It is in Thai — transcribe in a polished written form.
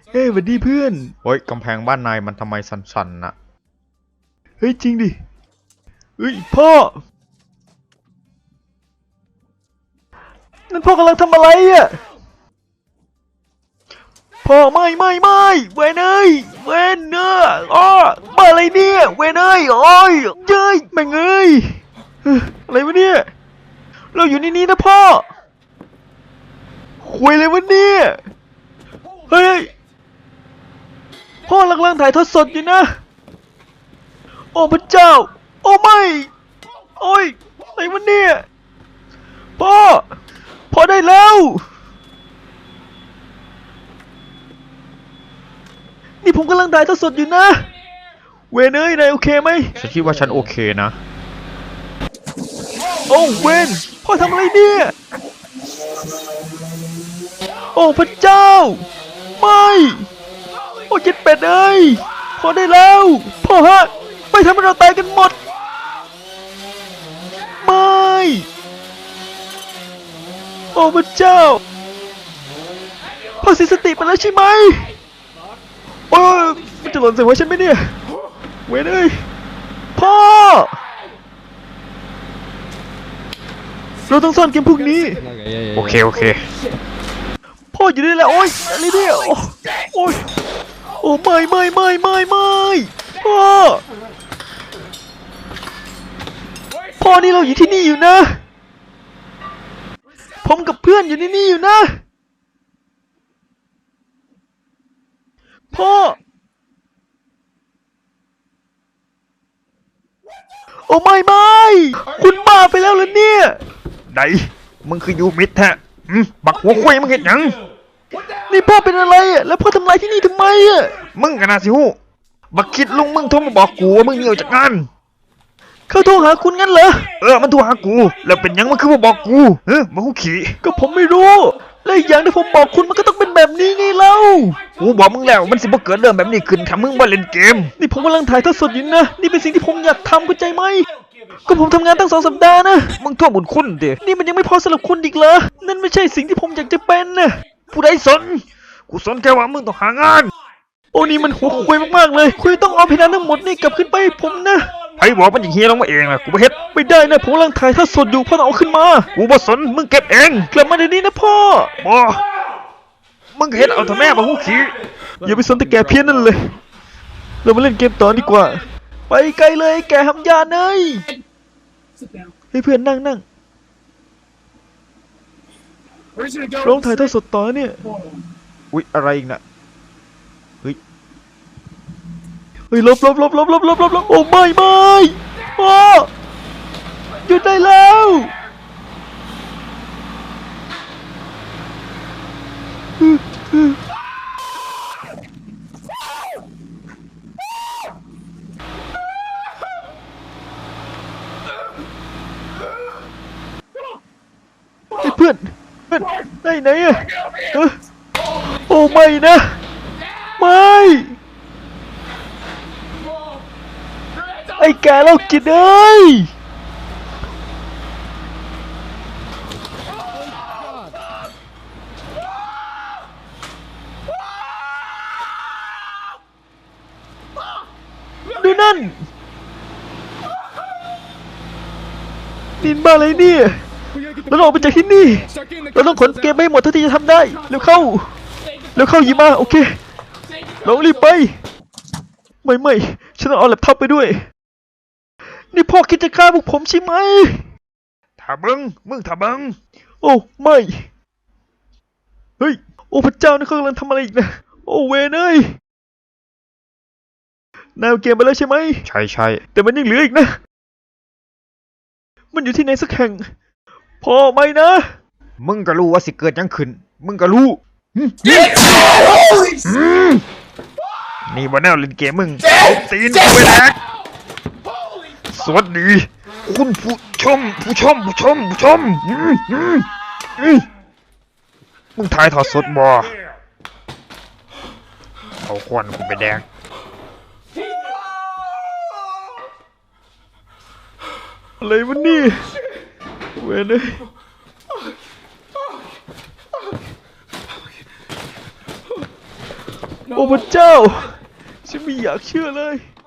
เฮ้ยสวัสดีเพื่อนเฮ้ยกำแพงบ้านนายมันทำไมสั่นๆน่ะเฮ้ยจริงดิเฮ้ยพ่อนั่นพ่อกำลังทำอะไรอ่ะพ่อไม่เวนเอ้ยเวนเนื้ออ้อมาอะไรเนี่ยเวนเอ้ยโอ้ยเย้ยแม่งเอ้ยอะไรวะเนี่ยเราอยู่ในนี้นะพ่อคุยเลยวะเนี่ยเฮ้ยพ่อกำลังถ่ายทอดสดอยู่นะโอ้พระเจ้าโอ้ไม่โอ้ยอะไรวะเนี่ยพ่อได้แล้วนี่ผมกำลังถ่ายทอดสดอยู่นะเวนเอ้ยนายโอเคไหมฉันคิดว่าฉันโอเคนะโอ้เวนพ่อทำอะไรเนี่ยโอ้พระเจ้าไม่โอ้เจ็ดเป็ดเอ้ยพ่อได้แล้วพ่อฮะไม่ทำให้เราตายกันหมดไม่โอ้พระเจ้าพ่อเสียสติไปแล้วใช่ไหมโอ้ยมันจะหล่นใส่หัวฉันไหมเนี่ยเวนเอ้ยพ่อเราต้องซ่อนเกมพวกนี้โอเคพ่ออยู่นี่แหละโอ้ยอะไรเนี่ยโอ้ยโอ้ไม่พ่อนี่เราอยู่ที่นี่อยู่นะผมกับเพื่อนอยู่ในนี่อยู่นะพ่อโอ้ไม่คุณบ้าไปแล้วเหรอเนี่ยไหนมึงคือยูมิดแท้บักหัวคุยมึงเห็นยังนี่พ่อเป็นอะไรอ่ะแล้วพ่อทำลายที่นี่ทำไมอ่ะมึงกันนะสิฮู้บักคิดลุงมึงโทรมาบอกกูว่ามึงหนีออกจากงานเขาโทรหาคุณงั้นเหรอมันโทรหากูแล้วเป็นยังมันคือมาบอกกูมาคู่ขี่ก็ผมไม่รู้และอีกอย่างที่ผมบอกคุณมันก็ต้องเป็นแบบนี้ไงเล่ากูบอกมึงแล้วมันสิบ่เกิดเรื่องแบบนี้ขึ้นถ้ามึงบ่เล่นเกมนี่ผมกำลังถ่ายทอดสดอยู่นะนี่เป็นสิ่งที่ผมอยากทำเข้าใจไหมก็ผมทำงานตั้ง2 สัปดาห์นะมึงทั่วบุญคุณดินี่มันยังไม่พอสำหรับคุณอีกเหรอนั่นไม่ใช่สิ่งที่ผมอยากจะเป็นนะผู้ใดสนกูสนแค่ว่ามึงต้องหางานโอ้นี่มันหัวคุยมากๆเลยคุณต้องเอาเพดานทั้งหมดนี่กลับขึ้นไปให้ผมนะไอ้บอกมันอย่างเฮียลงมาเองนะกูบ่เฮ็ดไม่ได้นะผมกำลังถ่ายทอดสดอยู่พ่อต้องเอาขึ้นมากูบ่สนมึงเก็บเองกลับมาเดี๋ยวนี้นะพ่อบ่มึงเฮ็ดเอาทำแม่มาหูขี้อย่าไปสนแต่แกเพี้ยนนั่นเลยเรามาเล่นเกมต่อดีกว่าไปไกลเลยแกหำยาเนยให้เพื่อนนั่งร้องถ่ายทอดสดต่อเนี่ยอุ๊ยอะไรอีกน่ะเฮ้ยลบโอ้ไม่พ่อหยุดได้แล้วเพื่อนไหนอะโอ้ไม่นะไม่ไอ้แกโรคจิตเอ้ยดูนั่นนินบ้าอะไรเนี่ยเราต้องออกไปจากที่นี่เราต้องขนเกมไปหมดเท่าที่จะทำได้เร็วเข้าหยิบมาโอเคเรารีบไปไม่ฉันต้องเอาแล็ปท็อปไปด้วยนี่พ่อคิดจะฆ่าพวกผมใช่ไหมถ้ามึงถ้าโอ้ไม่เฮ้ยโอ้พระเจ้านี่เขากำลังทำอะไรอีกนะโอ้เวนเอ้ยนายเอาเกมไปแล้วใช่ไหมใช่แต่มันยังเหลืออีกนะมันอยู่ที่ไหนสักแห่งพ่อไม่นะมึงก็รู้ว่าสิเกิดยังขึ้นมึงก็รู้นี่บ่แนวเล่นเกมมึงเอาตีนไปแลกสวัสดีคุณผู้ชมมึงถ่ายทอดสดบ่เอาควันกูไปแดกอะไรวะนี่เว้ยเลยโอ้พระเจ้า ฉันไม่อยากเชื่อเลย